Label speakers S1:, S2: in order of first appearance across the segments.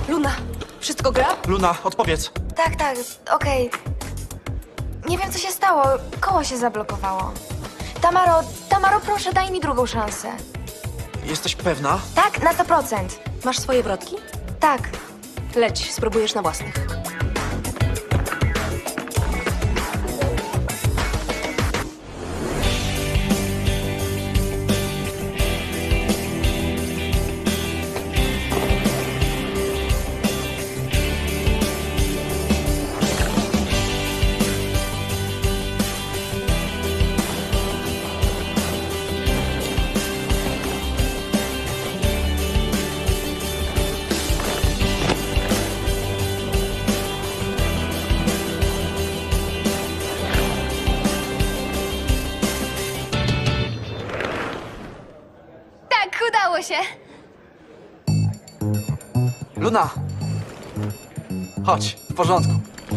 S1: Luna, wszystko gra?
S2: Luna, odpowiedz.
S3: Tak, okej. Nie wiem, co się stało. Koło się zablokowało. Tamaro, proszę, daj mi drugą szansę.
S2: Jesteś pewna?
S3: Tak, na 100%.
S1: Masz swoje wrotki?
S3: Tak.
S1: Leć, spróbujesz na własnych.
S3: Tak, udało się.
S2: Luna! Chodź, w porządku.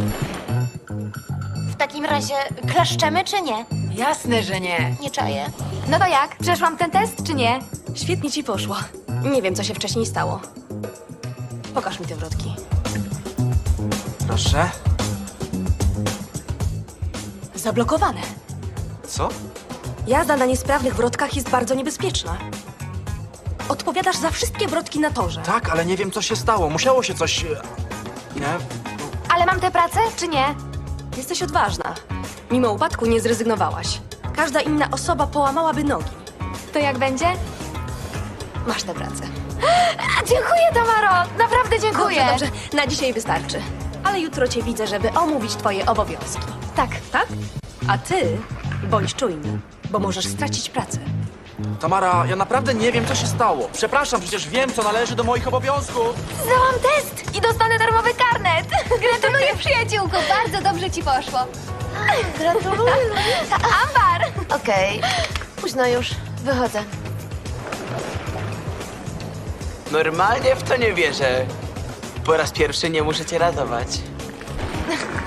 S4: W takim razie klaszczemy czy nie?
S1: Jasne, że nie.
S4: Nie czaję.
S3: No to jak? Przeszłam ten test, czy nie?
S1: Świetnie ci poszło. Nie wiem, co się wcześniej stało. Pokaż mi te wrotki.
S2: Proszę.
S1: Zablokowane.
S2: Co?
S1: Jazda na niesprawnych wrotkach jest bardzo niebezpieczna. Odpowiadasz za wszystkie wrotki na torze.
S2: Tak, ale nie wiem, co się stało. Musiało się coś... Nie?
S3: Ale mam tę pracę, czy nie?
S1: Jesteś odważna. Mimo upadku nie zrezygnowałaś. Każda inna osoba połamałaby nogi.
S3: To jak będzie?
S1: Masz tę pracę.
S3: Dziękuję, Tamaro! Naprawdę dziękuję!
S1: Dobrze, na dzisiaj wystarczy. Ale jutro cię widzę, żeby omówić twoje obowiązki.
S3: Tak.
S1: Tak? A ty bądź czujny, bo możesz stracić pracę.
S2: Tamara, ja naprawdę nie wiem, co się stało. Przepraszam, przecież wiem, co należy do moich obowiązków.
S3: Zdałam test i dostanę darmowy karnet!
S4: Gratuluję, przyjaciółko. Bardzo dobrze ci poszło.
S3: Gratuluję! Ambar!
S4: Okej. Późno już. Wychodzę.
S5: Normalnie w to nie wierzę. Po raz pierwszy nie muszę cię ratować.